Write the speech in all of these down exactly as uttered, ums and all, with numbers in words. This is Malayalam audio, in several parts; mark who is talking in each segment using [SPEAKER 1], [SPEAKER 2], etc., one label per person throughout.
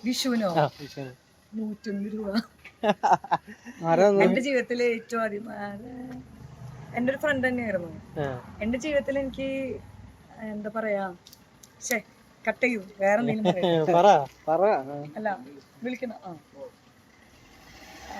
[SPEAKER 1] വിഷുവിനോ
[SPEAKER 2] ആ വിഷുവിന്
[SPEAKER 1] നൂറ്റൊന്ന് രൂപ
[SPEAKER 3] ആരാ
[SPEAKER 1] എന്റെ ജീവിതത്തിലെ ഏറ്റവും ആദ്യം എന്റെ ഒരു ഫ്രണ്ട് തന്നെയായിരുന്നു.
[SPEAKER 2] ആ.
[SPEAKER 1] എന്റെ ജീവിതത്തിൽ എനിക്ക് എന്താ പറയാ ശേ കട്ട് ചെയ്യൂ വേറെ എന്തെങ്കിലും പറയാം.
[SPEAKER 2] പറ
[SPEAKER 3] പറ
[SPEAKER 1] അല്ല വിളിക്കണം. ആ ആ,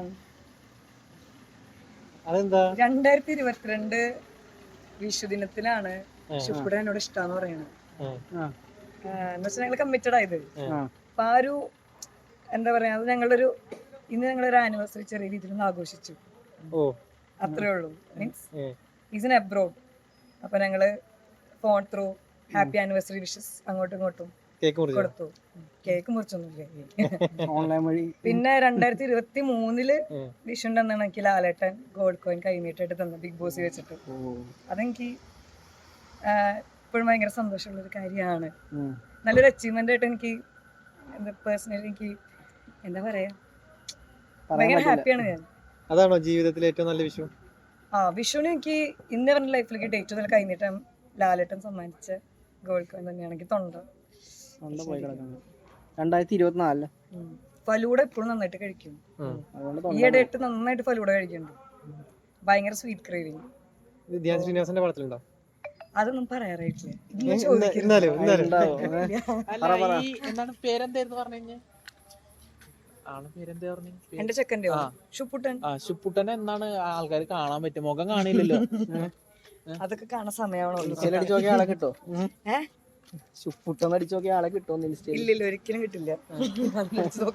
[SPEAKER 2] അതെന്താ
[SPEAKER 1] രണ്ടായിരത്തി ഇരുപത്തിരണ്ട് വിഷു ദിനത്തിലാണ് ഷുക്കുടൻ എന്നോട് ഇഷ്ടാന്ന് പറയണത്.
[SPEAKER 2] ആ.
[SPEAKER 3] ആ
[SPEAKER 1] എന്ന് വെച്ചാൽ ഞങ്ങൾ കമ്മിറ്റഡ് ആയത്.
[SPEAKER 3] ആ
[SPEAKER 1] അപ്പൊ ആ ഒരു എന്താ പറയാ അത് ഞങ്ങളൊരു ഇന്ന് ഞങ്ങളൊരു ആനിവേഴ്സറി ചെറിയ രീതിയിൽ ഒന്ന് ആഘോഷിച്ചു.
[SPEAKER 2] ഓ
[SPEAKER 1] അത്രേ ഉള്ളൂ. Means
[SPEAKER 2] A.
[SPEAKER 1] Is in abroad. അപ്പൊ ഞങ്ങള് phone through happy anniversary wishes അങ്ങോട്ടും ഇങ്ങോട്ടും
[SPEAKER 2] കേക്ക് മുറിച്ചോ
[SPEAKER 1] കൊടുത്തു. കേക്ക് മുറിച്ചൊന്നുമില്ല.
[SPEAKER 3] ഓൺലൈൻ വഴി
[SPEAKER 1] പിന്നെ രണ്ടായിരത്തി ഇരുപത്തി മൂന്നില്
[SPEAKER 2] ഉം.
[SPEAKER 1] വിഷുണ്ട് എന്നാണ് എനിക്ക് ലാലേട്ടൻ ഗോൾഡ് കോയിൻ കൈനീട്ടായിട്ട് തന്നത് ബിഗ് ബോസ് വെച്ചിട്ട്. അതെനിക്ക് ഇപ്പോഴും ഭയങ്കര സന്തോഷമുള്ളൊരു കാര്യമാണ്.
[SPEAKER 3] ഉം.
[SPEAKER 1] നല്ലൊരു അച്ചീവ്മെന്റ് ആയിട്ട് എനിക്ക് എന്താ പേഴ്സണലി എനിക്ക് എന്താ പറയാ ഭയങ്കര ഹാപ്പിയാണ് ഞാൻ.
[SPEAKER 2] അതാണോ ജീവിതത്തിലെ ഏറ്റവും നല്ല വിഷു?
[SPEAKER 1] ആ വിഷുവിന് എനിക്ക് ഇന്ന് പറഞ്ഞ ലൈഫിൽ കിട്ടിയ ഏറ്റവും നല്ല കൈനീട്ടം ലാലേട്ടൻ സമ്മാനിച്ച ഗോൾഡ് കോയിൻ തന്നെയാണ്. എനിക്ക് തൊണ്ട
[SPEAKER 3] തൊണ്ട പോയി കിടക്കുന്നത് രണ്ടായിരത്തി ഇരുപത്തിനാലില്.
[SPEAKER 1] ഉം. ഫലൂഡ എപ്പോഴും നന്നായിട്ട് കഴിക്കും.
[SPEAKER 3] അതുകൊണ്ട്
[SPEAKER 1] ഈ ഇടയിട്ട് നന്നായിട്ട് ഫലൂഡ കഴിക്കുന്നുണ്ട്. ഭയങ്കര സ്വീറ്റ് ക്രേവിങ്.
[SPEAKER 2] ഇത് ധ്യാൻ ശ്രീനിവാസന്റെ പടത്തിലുണ്ടോ?
[SPEAKER 1] അതൊന്നും പറയാറായിട്ടില്ല.
[SPEAKER 2] ഏ, ഇന്ന- ഇന്നാലോ ഇന്നാലോ
[SPEAKER 4] അല്ല ഈ എന്താണ് പേരെന്തായിരുന്നു പറഞ്ഞു കഴിഞ്ഞ ആളെ പേരെന്താ പറഞ്ഞു?
[SPEAKER 1] എന്റെ ചെക്കൻ്റെ
[SPEAKER 4] ആ.
[SPEAKER 1] ഷുപ്പുട്ടൻ.
[SPEAKER 4] ആ ശുപ്പുട്ടനെ എന്നാണ് ആൾക്കാർ കാണാൻ പറ്റും, മുഖം കാണില്ലല്ലോ.
[SPEAKER 1] അതൊക്കെ കാണാൻ സമയമാണല്ലോ.
[SPEAKER 3] ഇൻസ്റ്റയിൽ അടിച്ചു നോക്കിയ ആളെ കിട്ടോ?
[SPEAKER 1] ഏഹ്
[SPEAKER 3] പുട്ടെന്ന് അടിച്ചു നോക്കിയ ആളെ കിട്ടുമോ ഇൻസ്റ്റയിൽ?
[SPEAKER 1] ഇല്ലില്ല ഒരിക്കലും കിട്ടില്ല.